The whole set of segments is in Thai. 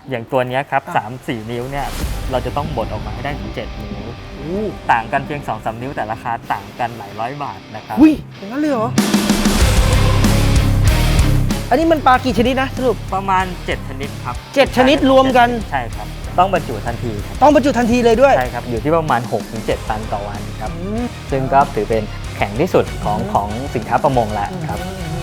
อย่างตัวนี้ครับ3-4 นิ้วเนี่ยเราจะต้องบดออกมาให้ได้ถึง7 นิ้วต่างกันเพียง 2-3 นิ้วแต่ราคาต่างกันหลายร้อยบาทนะครับอุ้ยอย่างนั้นเลยเหรออันนี้มันปลากี่ชนิดนะสรุปประมาณ7 ชนิดครับ 7 ชนิดรวมกันใช่ครับต้องบรรจุทันทีครับต้องบรรจุทันทีเลยด้วยใช่ครับอยู่ที่ประมาณ 6-7 ตันต่อวันครับซึ่งก็ถือเป็นแข็งที่สุดของสินค้าประมงแล้วครับ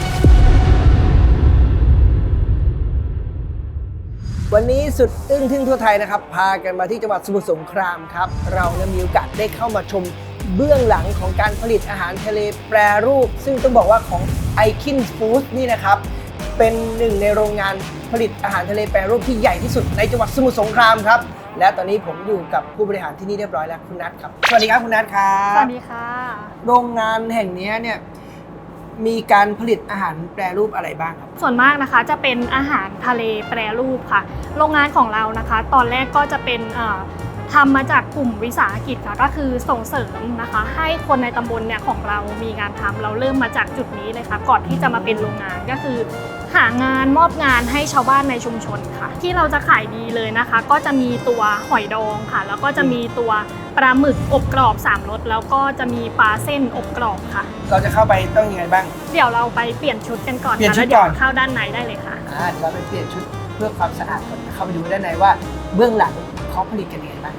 วันนี้สุดอึ้งทึ่งทั่วไทยนะครับพากันมาที่จังหวัดสมุทรสงครามครับเรามีโอกาสได้เข้ามาชมเบื้องหลังของการผลิตอาหารทะเลแปรรูปซึ่งต้องบอกว่าของ Ikin Food นี่นะครับเป็นหนึ่งในโรงงานผลิตอาหารทะเลแปรรูปที่ใหญ่ที่สุดในจังหวัดสมุทรสงครามครับและตอนนี้ผมอยู่กับผู้บริหารที่นี่เรียบร้อยแล้วคุณนัทครับสวัสดีครับคุณนัทครับสวัสดีค่ะโรงงานแห่งนี้เนี่ยมีการผลิตอาหารแปรรูปอะไรบ้างครับส่วนมากนะคะจะเป็นอาหารทะเลแปรรูปค่ะโรงงานของเรานะคะตอนแรกก็จะเป็นทำมาจากกลุ่มวิสาหกิจค่ะก็คือส่งเสริมนะคะให้คนในตำบลเนี่ยของเรามีงานทำเราเริ่มมาจากจุดนี้เลยค่ะก่อนที่จะมาเป็นโรงงานก็คือหางานมอบงานให้ชาวบ้านในชุมชนค่ะที่เราจะขายดีเลยนะคะก็จะมีตัวหอยดองค่ะแล้วก็จะมีตัวปลาหมึกอบกรอบ3 รสแล้วก็จะมีปลาเส้นอบกรอบค่ะเราจะเข้าไปต้องยังไงบ้างเดี๋ยวเราไปเปลี่ยนชุดกันก่อนค่ะแล้วเดี๋ยวเข้าด้านในได้เลยค่ะเราไปเปลี่ยนชุดเพื่อความสะอาดก่อนเข้าไปดูด้านในว่าเบื้องหลังเขาผลิตกันยังไงบ้าง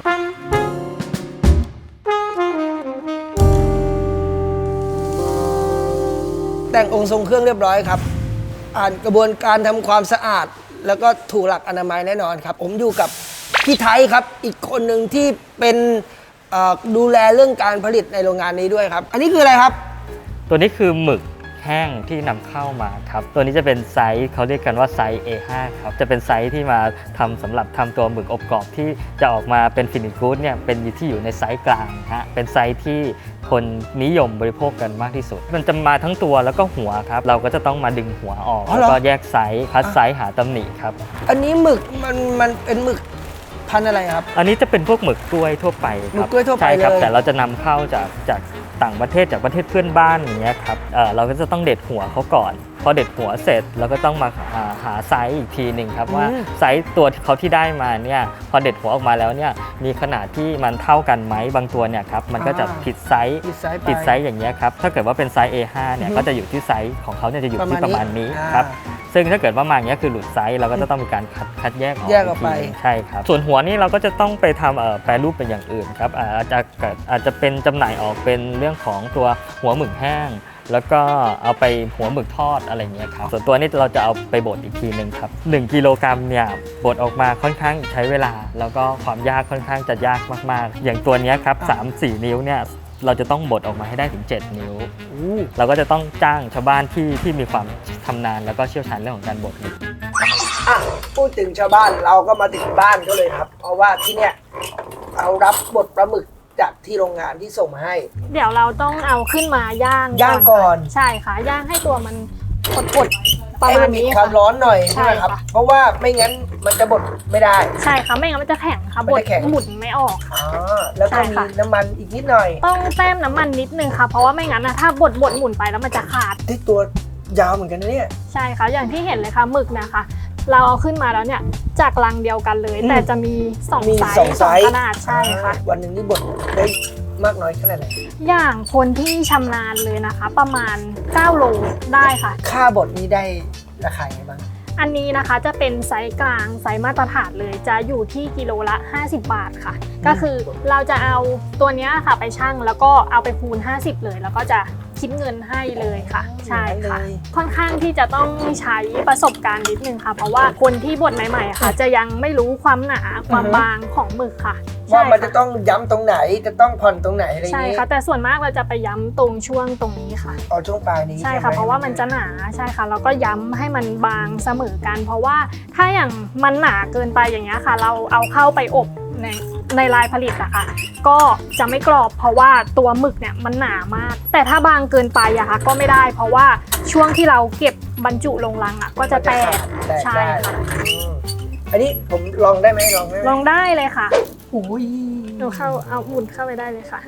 แต่งองค์ทรงเครื่องเรียบร้อยครับอ่านกระบวนการทำความสะอาดแล้วก็ถูกหลักอนามัยแน่นอนครับผมอยู่กับพี่ไทยครับอีกคนหนึ่งที่เป็นดูแลเรื่องการผลิตในโรงงานนี้ด้วยครับอันนี้คืออะไรครับตัวนี้คือหมึกแห้งที่นำเข้ามาครับตัวนี้จะเป็นไซส์เขาเรียกกันว่าไซส์ A5 ครับจะเป็นไซส์ที่มาทำสำหรับทำตัวหมึกอบกรอบที่จะออกมาเป็นฟินิชกู๊ดเนี่ยเป็นที่อยู่ในไซส์กลางฮะเป็นไซส์ที่คนนิยมบริโภคกันมากที่สุดมันจะมาทั้งตัวแล้วก็หัวครับเราก็จะต้องมาดึงหัวออกแล้วก็แยกไซส์คัดไซส์หาตำหนิครับอันนี้หมึกมันเป็นหมึกพันธุ์อะไรครับอันนี้จะเป็นพวกหมึกกล้วยทั่วไปครับหมึกกล้วยทั่วไปใช่ครับเลยแต่เราจะนำเข้าจากต่างประเทศจากประเทศเพื่อนบ้านอย่างเงี้ยครับเราก็จะต้องเด็ดหัวเขาก่อนพอเด็ดหัวเสร็จเราก็ต้องมาหาไซส์อีกทีหนึ่งครับว่าไซส์ตัวเขาที่ได้มาเนี่ยพอเด็ดหัวออกมาแล้วเนี่ยมีขนาดที่มันเท่ากันไหมบางตัวเนี่ยครับมันก็จะผิดไซส์อย่างเงี้ยครับถ้าเกิดว่าเป็นไซส์ A5 เนี่ยก็จะอยู่ที่ไซส์ของเขาเนี่ยจะอยู่ที่ประมาณนี้ครับซึ่งถ้าเกิดว่ามาอย่างเงี้ยคือหลุดไซส์เราก็จะต้องมีการคัดแยกออกไปใช่ครับส่วนหัวนี่เราก็จะต้องไปทำแปรรูปเป็นอย่างอื่นครับอาจจะเป็นจำหน่ายออกเป็นเรื่องของตัวหัวหมึกแห้งแล้วก็เอาไปหัวหมึกทอดอะไรเงี้ยครับส่วนตัวนี้เราจะเอาไปบดอีกทีนึงครับ1 กิโลกรัมเนี่ยบดออกมาค่อนข้างใช้เวลาแล้วก็ความยากค่อนข้างจะยากมากๆอย่างตัวนี้ครับ3-4 นิ้วเนี่ยเราจะต้องบดออกมาให้ได้ถึง7 นิ้วเราก็จะต้องจ้างชาวบ้านที่มีความชำนาญแล้วก็เชี่ยวชาญเรื่องของการบดพูดถึงชาวบ้านเราก็มาถึงบ้านก็เลยครับเพราะว่าที่เนี่ยเรารับบดปลาหมึกจากที่โรงงานที่ส่งมาให้เดี๋ยวเราต้องเอาขึ้นมาย่างก่อนใช่ค่ะย่างให้ตัวมันกดประมาณนี้ความร้อนหน่อยใช่ไหมครับเพราะว่าไม่งั้นมันจะบดไม่ได้ใช่ค่ะไม่งั้นมันจะแข็งค่ะบดหมุนไม่ออกแล้วก็มีน้ำมันอีกนิดหน่อยต้องแต้มน้ำมันนิดนึงค่ะเพราะว่าไม่งั้นนะถ้าบดหมุนไปแล้วมันจะขาดที่ตัวยาวเหมือนกันนะเนี่ยใช่ค่ะอย่างที่เห็นเลยค่ะหมึกนะคะเราเอาขึ้นมาแล้วเนี่ยจากรังเดียวกันเลยแต่จะมี2 ไซส์ขนาดใช่ค่ะวันหนึ่งนี่บดได้มากน้อยขนาดไหนอย่างคนที่ชำนาญเลยนะคะประมาณ9 โลได้ค่ะค่าบดนี้ได้ราคาไงบ้างอันนี้นะคะจะเป็นไซส์กลางไซส์มาตรฐานเลยจะอยู่ที่กิโลละ50 บาทค่ะก็คือเราจะเอาตัวนี้ค่ะไปชั่งแล้วก็เอาไปคูณ50เลยแล้วก็จะคิดเงินให้เลยค่ะใช่ค่ะค่อนข้างที่จะต้องใช้ประสบการณ์นิดนึงค่ะเพราะว่าคนที่บดใหม่ๆค่ะจะยังไม่รู้ความหนาความบางของหมึกค่ะว่ามันจะต้องย้ำตรงไหนจะต้องผ่อนตรงไหนอะไรอย่างนี้ใช่ค่ะแต่ส่วนมากเราจะไปย้ำตรงช่วงตรงนี้ค่ะช่วงปลายนี้ใช่ค่ะเพราะว่ามันจะหนาใช่ค่ะแล้วก็ย้ำให้มันบางเสมอกันเพราะว่าถ้าอย่างมันหนาเกินไปอย่างเงี้ยค่ะเราเอาเข้าไปอบในลายผลิตอะค่ะก็จะไม่กรอบเพราะว่าตัวหมึกเนี่ยมันหนามากแต่ถ้าบางเกินไปอะค่ะก็ไม่ได้เพราะว่าช่วงที่เราเก็บบรรจุลงรังอะก็จะแตกใช่ค่ะอันนี้ผมลองได้ไหมลองได้เลยค่ะโอ้ยเอาหมุนเข้าไปได้เลยค่ะ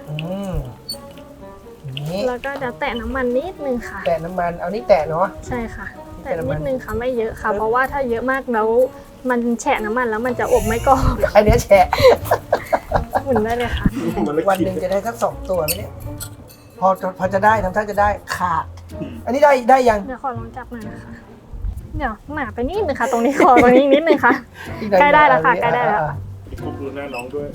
แล้วก็จะแตะน้ำมันนิดนึงค่ะแตะน้ำมันเอานี่แตะเนาะใช่ค่ะแตะนิดนึงค่ะไม่เยอะค่ะเพราะว่าถ้าเยอะมากแล้วมันแฉะน้ำมันแล้วมันจะอบไม่กรอบอันเนี้ยแฉะหมุนได้เลยค่ะวันหนึ่งจะได้สัก2 ตัวไหมเนี่ยพอจะได้ทำท่าจะได้ขาด อันนี้ได้ยังเดี๋ยวขอลองจับหน่อยนะคะเดี๋ยวหนาไปนิดนึงค่ะ ตรงนี้คอตรงนี้นิดนึงค่ะอีหน่อยใกล้ได้แล้วค่ะใกล้ได้แล้วคุกดูหน้าน้องด้วย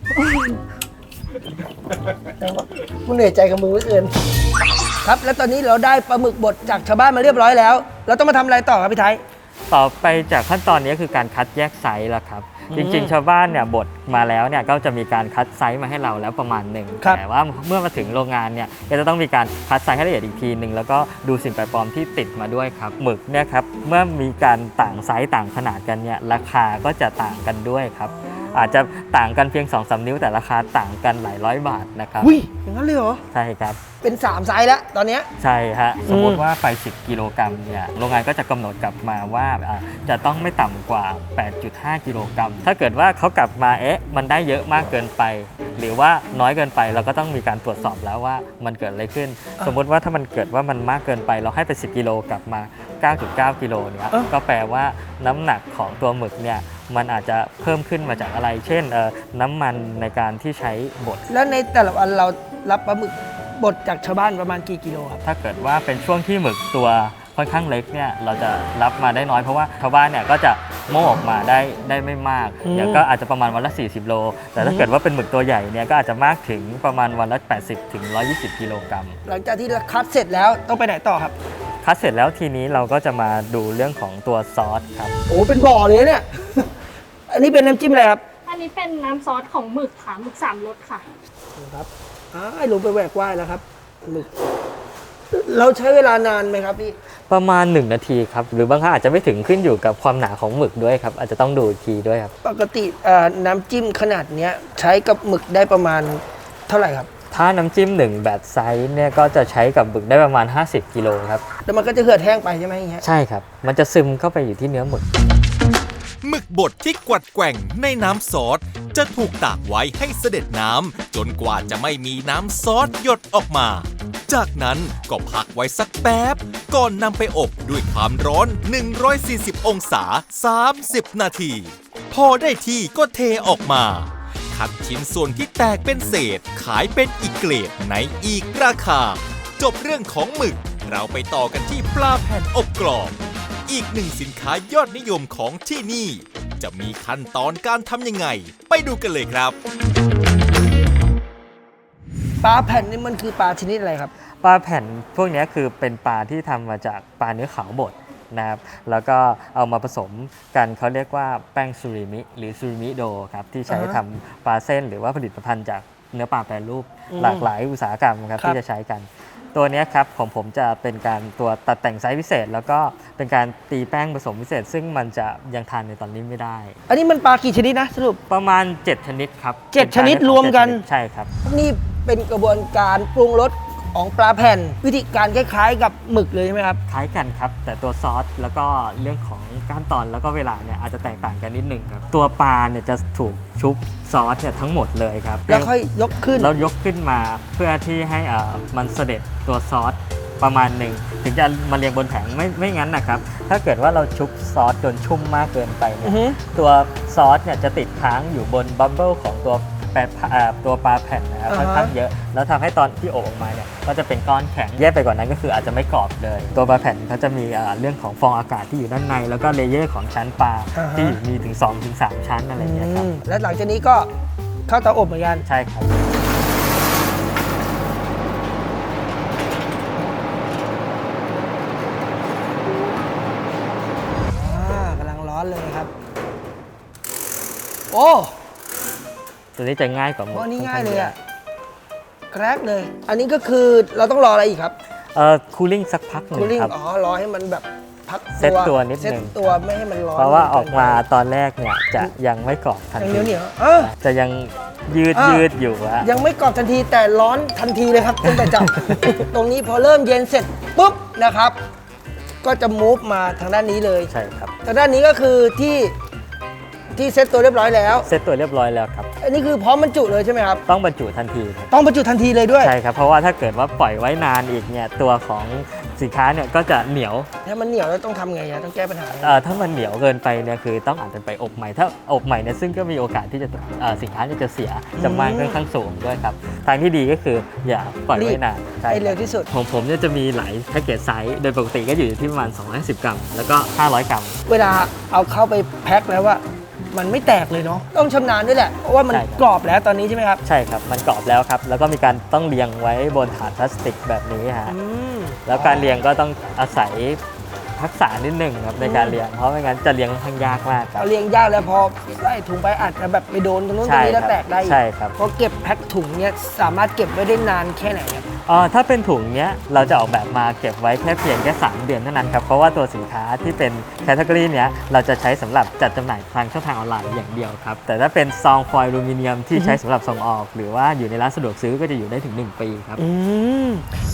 กูเหนื่อยใจกับมึงเหลือเกินครับแล้วตอนนี้เราได้ปลาหมึกบดจากชาวบ้านมาเรียบร้อยแล้ว เราต้องมาทำอะไรต่อครับพี่ไทยต่อไปจากขั้นตอนนี้คือการคัดแยกไซส์แล้วครับ จริงๆ ชาวบ้านเนี่ยบดมาแล้วเนี่ยก็จะมีการคัดไซส์มาให้เราแล้วประมาณหนึ่งครับแต่ว่าเมื่อมาถึงโรงงานเนี่ยก็จะต้องมีการคัดไซส์ให้ละเอียดอีกทีหนึ่งแล้วก็ดูสิ่งแปลกปลอมที่ติดมาด้วยครับหมึกเนี่ยครับเมื่อมีการต่างไซส์ต่างขนาดกันเนี่ยราคาก็จะต่างกันด้วยครับอาจจะต่างกันเพียง 2-3 นิ้วแต่ราคาต่างกันหลายร้อยบาทนะครับอุ้ยอย่างนั้นเลยเหรอใช่ครับเป็น3 ไซส์แล้วตอนเนี้ยใช่ฮะสมมติว่าไป 10 กิโลกรัมเนี่ยโรงงานก็จะกำหนดกลับมาว่าจะต้องไม่ต่ำกว่า 8.5 กิโลกรัมถ้าเกิดว่าเขากลับมามันได้เยอะมากเกินไป หรือว่าน้อยเกินไปเราก็ต้องมีการตรวจสอบแล้วว่ามันเกิดอะไรขึ้น สมมติว่าถ้ามันเกิดว่ามันมากเกินไปเราให้ไป 10 กิโลกลับมา 9.9 กิโลเนี่ยก็แปลว่าน้ำหนักของตัวหมึกเนี่ยมันอาจจะเพิ่มขึ้นมาจากอะไร เช่นน้ำมันในการที่ใช้บดแล้วในแต่ละวันเรารับปลาหมึกบดจากชาวบ้านประมาณกี่กิโลครับถ้าเกิดว่าเป็นช่วงที่หมึกตัวค่อนข้างเล็กเนี่ยเราจะรับมาได้น้อยเพราะว่าชาวบ้านเนี่ยก็จะโม่ออกมาได้ไม่มากเนี่ยก็อาจจะประมาณวันละ40 โลแต่ถ้าเกิดว่าเป็นหมึกตัวใหญ่เนี่ยก็อาจจะมากถึงประมาณวันละ80 ถึง 120 กิโลกรัมหลังจากที่เราคัดเสร็จแล้วต้องไปไหนต่อครับคัดเสร็จแล้วทีนี้เราก็จะมาดูเรื่องของตัวซอสครับโอ้เป็นบ่อเลยเนี่ย อันนี้เป็นน้ำจิ้มอะไรครับอันนี้เป็นน้ำซอสของหมึกค่ะหมึก3 รสค่ะครับลงไปแหวกว่ายแล้วครับหมึกเราใช้เวลานานไหมครับพี่ประมาณ 1 นาทีครับหรือบางครั้งอาจจะไม่ถึงขึ้นอยู่กับความหนาของหมึกด้วยครับอาจจะต้องดูอีกทีด้วยครับปกติน้ำจิ้มขนาดเนี้ยใช้กับหมึกได้ประมาณเท่าไหร่ครับถ้าน้ำจิ้ม1แบบไซส์เนี่ยก็จะใช้กับหมึกได้ประมาณ 50 กิโลครับแล้วมันก็จะเหือดแห้งไปใช่ไหมอย่างเงี้ยใช่ครับมันจะซึมเข้าไปอยู่ที่เนื้อหมึกหมึกบดที่กวัดแกว่งในน้ำซอสจะถูกตากไว้ให้เสด็จน้ำจนกว่าจะไม่มีน้ำซอสหยดออกมา จากนั้นก็พักไว้สักแป๊บก่อนนำไปอบด้วยความร้อน 140 องศา 30 นาที พอได้ที่ก็เทออกมา คัดชิ้นส่วนที่แตกเป็นเศษขายเป็นอีกเกรดในอีกราคา จบเรื่องของหมึกเราไปต่อกันที่ปลาแผ่นอบกรอบ อีกหนึ่งสินค้ายอดนิยมของที่นี่ จะมีขั้นตอนการทำยังไง ไปดูกันเลยครับปลาแผ่นนี่มันคือปลาชนิดอะไรครับปลาแผ่นพวกนี้คือเป็นปลาที่ทำมาจากปลาเนื้อขาวบดนะครับแล้วก็เอามาผสมกันเขาเรียกว่าแป้งซูริมิหรือซูริมิโดครับที่ใช้ทำปลาเส้นหรือว่าผลิตภัณฑ์จากเนื้อปลาแปรรูปหลากหลายอุตสาหกรรมครับที่จะใช้กัน ตัวนี้ครับของผมจะเป็นการตัวตัดแต่งไซส์พิเศษ แล้วก็เป็นการตีแป้งผสมพิเศษ ซึ่งมันจะยังทานในตอนนี้ไม่ได้อันนี้มันปลากี่ชนิดนะสรุปประมาณ 7 ชนิดครับ 7 ชนิดรวมกันใช่ครับนี่เป็นกระบวนการปรุงรสของปลาแผ่น วิธีการคล้ายๆกับหมึกเลยใช่ไหมครับคล้ายกันครับแต่ตัวซอสแล้วก็เรื่องของขั้นตอนแล้วก็เวลาเนี่ยอาจจะแตกต่างกันนิดหนึ่งครับตัวปลาเนี่ยจะถูกชุบซอสเนี่ยทั้งหมดเลยครับแล้วค่อยยกขึ้นแล้วยกขึ้นมาเพื่อที่ให้มันเสด็จตัวซอสประมาณหนึ่งถึงจะมาเรียงบนแผงไม่งั้นนะครับถ้าเกิดว่าเราชุบซอสจนชุ่มมากเกินไปเนี่ยตัวซอสเนี่ยจะติดค้างอยู่บนบับเบิ้ลของตัวปลาแผ่นนะครับค่อนข้างเยอะแล้วทำให้ตอนที่อบออกมาเนี่ยก็จะเป็นก้อนแข็งแย่ไปกว่านั้นก็คืออาจจะไม่กรอบเลยตัวปลาแผ่นเขาจะมีเรื่องของฟองอากาศที่อยู่ด้านในแล้วก็เลเยอร์ของชั้นปลาที่อยู่มีถึง 2-3 ชั้นอะไรอย่างเงี้ยครับและหลังจากนี้ก็เข้าเตาอบเหมือนกันใช่ครับกำลังร้อนเลยครับ โอ้ตัวนี้จะง่ายกว่าหมโหดอันนี้ง่ายเลยอะแกรกเลย อันนี้ก็คือเราต้องรออะไรอีกครับคูลิ่งสักพักหนึ่คูงลิ่งครับอ๋อ รอให้มันแบบพักเซ็ตตัวนิดนึงเซ็ตตัวไม่ให้มันร้อนเพราะว่าออกมาตอนแรกเนี่ยจะยังไม่กรอบทันยังทีเหนียวๆจะยังยืดอ่ะยืดอยู่อะยังไม่กรอบทันทีแต่ร้อนทันทีเลยครับตั้งแต่จับ ตรงนี้พอเริ่มเย็นเสร็จปุ๊บนะครับ ก็จะมูฟมาทางด้านนี้เลยใช่ครับทางด้านนี้ก็คือที่เซ็ตตัวเรียบร้อยแล้วเซตตัวเรียบร้อยแล้วครับอันนี้คือพร้อมบรรจุเลยใช่ไหมครับต้องบรรจุทันทีครับต้องบรรจุทันทีเลยด้วยใช่ครับเพราะว่าถ้าเกิดว่าปล่อยไว้นานอีกเนี่ยตัวของสินค้าเนี่ยก็จะเหนียวถ้ามันเหนียวแล้วต้องทำไงต้องแก้ปัญหาไงถ้ามันเหนียวเกินไปเนี่ยคือต้องอาจจะไปอบใหม่ ถ้าอบใหม่เนี่ยซึ่งก็มีโอกาสที่จะสินค้าจะเสียจำนวนค่อนข้างสูงด้วยครับทางที่ดีก็คืออย่าปล่อยไว้นานใช่ให้เร็วที่สุดของผมเนี่ยจะมีหลายแพ็กเกจไซส์โดยปกติก็อยู่ที่ประมาณ250 กรัมแล้วก็500 กรัมเวลาเอาเข้าไปแพ็คแล้วว่ามันไม่แตกเลยเนาะต้องชำนาญด้วยแหละเพราะว่ามันใช่ครับกรอบแล้วตอนนี้ใช่ไหมครับใช่ครับมันกรอบแล้วครับแล้วก็มีการต้องเรียงไว้บนถาดพลาสติกแบบนี้ฮะอืมแล้วการเรียงก็ต้องอาศัยทักษะนิดหนึ่งครับในการเรียงเพราะไม่งั้นจะเรียงค่อนข้างยากมากครับเอาเรียงยากแล้วพอใส่ถุงไปอาจจะแบบไปโดนตรงนู้นตรงนี้แล้วแตกได้อีกใช่ครับพอเก็บแพ็คถุงเนี้ยสามารถเก็บไว้ได้นานแค่ไหนครับถ้าเป็นถุงเนี้ยเราจะออกแบบมาเก็บไว้แค่เพียงแค่3 เดือนเท่านั้นครับเพราะว่าตัวสินค้าที่เป็นแคตตากรีเนี้ยเราจะใช้สำหรับจัดจำหน่ายทางช่องทางออนไลน์อย่างเดียวครับแต่ถ้าเป็นซองฟอยล์อลูมิเนียมที่ใช้สำหรับส่งออก หรือว่าอยู่ในร้านสะดวกซื้อก็จะอยู่ได้ถึง1 ปีครับอืม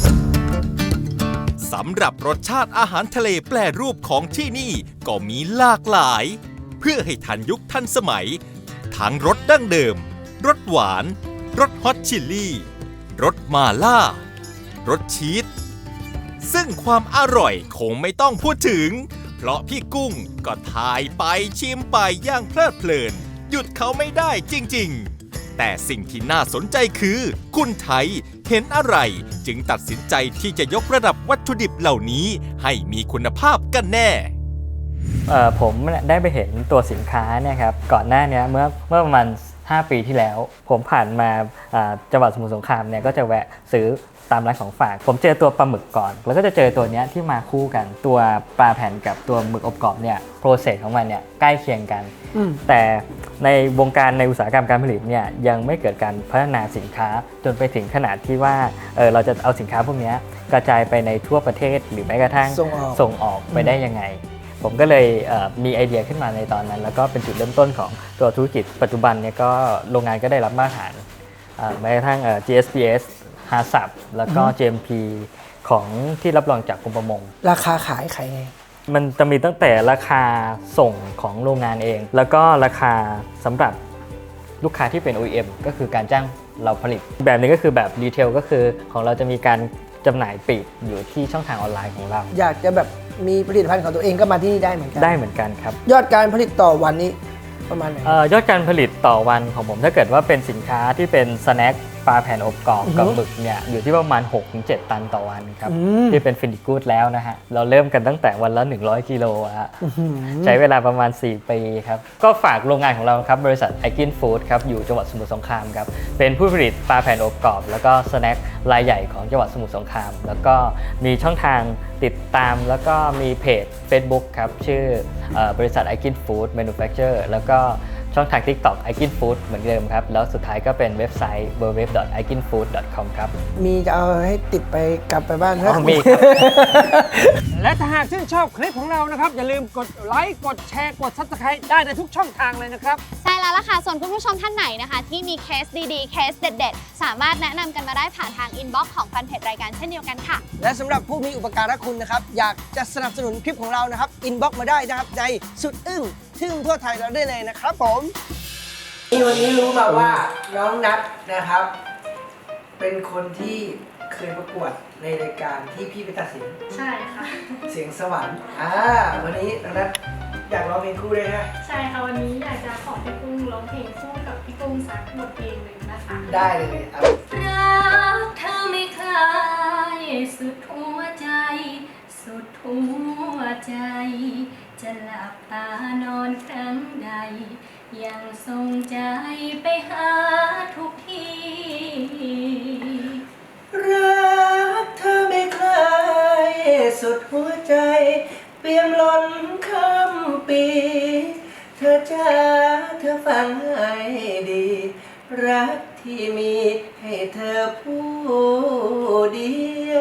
สำหรับรสชาติอาหารทะเลแปรรูปของที่นี่ก็มีหลากหลาย เพื่อให้ทันยุคทันสมัย ทั้งรสดั้งเดิม รสหวาน รสฮอตชิลลี่ รสมาล่า รสชีส ซึ่งความอร่อยคงไม่ต้องพูดถึง เพราะพี่กุ้งก็ทายไปชิมไปอย่างเพลิดเพลิน หยุดเขาไม่ได้จริงๆ แต่สิ่งที่น่าสนใจคือ คุณไทยเห็นอะไรจึงตัดสินใจที่จะยกระดับวัตถุดิบเหล่านี้ให้มีคุณภาพกันแน่ผมได้ไปเห็นตัวสินค้าเนี่ยครับก่อนหน้านี้เมื่อประมาณ5 ปีที่แล้ว ผมผ่านมาจังหวัดสมุทรสงครามเนี่ยก็จะแวะซื้อตามร้านของฝาก ผมเจอตัวปลาหมึกก่อน แล้วก็จะเจอตัวเนี้ยที่มาคู่กันตัวปลาแผ่นกับตัวหมึกอบกรอบเนี่ยโปรเซสของมันเนี่ยใกล้เคียงกัน แต่ในวงการในอุตสาหกรรมการผลิตเนี่ยยังไม่เกิดการพัฒนาสินค้าจนไปถึงขนาดที่ว่าเราจะเอาสินค้าพวกนี้กระจายไปในทั่วประเทศหรือแม้กระทั่งส่งออกไปได้ยังไง ผมก็เลยมีไอเดียขึ้นมาในตอนนั้น แล้วก็เป็นจุดเริ่มต้นของตัวธุรกิจปัจจุบันเนี่ยก็โรงงานก็ได้รับมาตรฐานแม้กระทั่งGSPS HACCP แล้วก็ GMP ของที่รับรองจากกรมประมงราคาขายไงมันจะมีตั้งแต่ราคาส่งของโรงงานเอง แล้วก็ราคาสำหรับลูกค้าที่เป็น OEM ก็คือการจ้างเราผลิต แบบนี้ก็คือแบบดีเทลก็คือของเราจะมีการจำหน่ายปลีกอยู่ที่ช่องทางออนไลน์ของเราอยากจะแบบมีผลิตภัณฑ์ของตัวเองก็มาที่นี่ได้เหมือนกันได้เหมือนกันครับยอดการผลิตต่อวันนี้ประมาณไหนยอดการผลิตต่อวันของผมถ้าเกิดว่าเป็นสินค้าที่เป็นสแน็คปลาแผ่นอบกรอบกับหมึกเนี่ยอยู่ที่ประมาณ 6-7 ตันต่อวันครับที่เป็นฟินิชกูดแล้วนะฮะเราเริ่มกันตั้งแต่วันละ100 กิโลฮะใช้เวลาประมาณ4 ปีครับก็ฝากโรงงานของเราครับบริษัทไอกินฟู้ดครับอยู่จังหวัดสมุทรสงครามครับเป็นผู้ผลิตปลาแผ่นอบกรอบแล้วก็สแน็ครายใหญ่ของจังหวัดสมุทรสงครามแล้วก็มีช่องทางติดตามแล้วก็มีเพจ Facebook ครับชื่อบริษัท iKin Food Manufacturer แล้วก็ช่องทาง TikTok iKin Food เหมือนเดิมครับแล้วสุดท้ายก็เป็นเว็บไซต์ www.ikinfood.com ครับมีจะเอาให้ติดไปกลับไปบ้านนะมีครับและถ้าหากชื่นชอบคลิปของเรานะครับ อย่าลืมกดไลค์กดแชร์กด Subscribe ได้ในทุกช่องทางเลยนะครับใช่แล้วล่ะค่ะ ส่วนคุณผู้ชมท่านไหนนะคะ ที่มีเคสดีๆ เคสเด็ดๆ สามารถแนะนำกันมาได้ผ่านทางอินบ็อกซ์ของแฟนเพจรายการเช่นเดียวกันค่ะและสำหรับผู้มีอุปการะคุณนะครับอยากจะสนับสนุนคลิปของเรานะครับอินบ็อกมาได้นะครับในสุดอึ้งทึ่งทั่วไทยเราได้เลยนะครับผมวันนี้รู้มาว่าน้องนัทนะครับ เป็นคนที่เคยประกวดในรายการที่พี่ไปตัดสินใช่ค่ะเสียงสวรรค์วันนี้น้องนัทอยากร้องเพลงคู่ด้วยนะใช่ค่ะวันนี้อยากจะขอพี่กุ้งร้องเพลงคู่กับพี่กุ้งสักบทเพลงหนึ่งนะคะได้เลยครับรักเธอไม่คลายสุดหัวใจ สุดหัวใจ จะหลับตานอนครั้งใด ยังทรงใจไปหาทุกทีรักเธอไม่คลายสุดหัวใจเปี่ยมล้นคำปีเธอจ้าเธอฟังให้ดี รักที่มีให้เธอผู้เดียว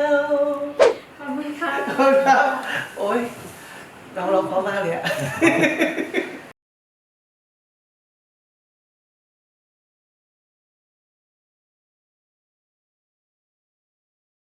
ขอบคุณค่ะขอบคุณครับโอ้ยน้องร้องเพราะมากเลยอะ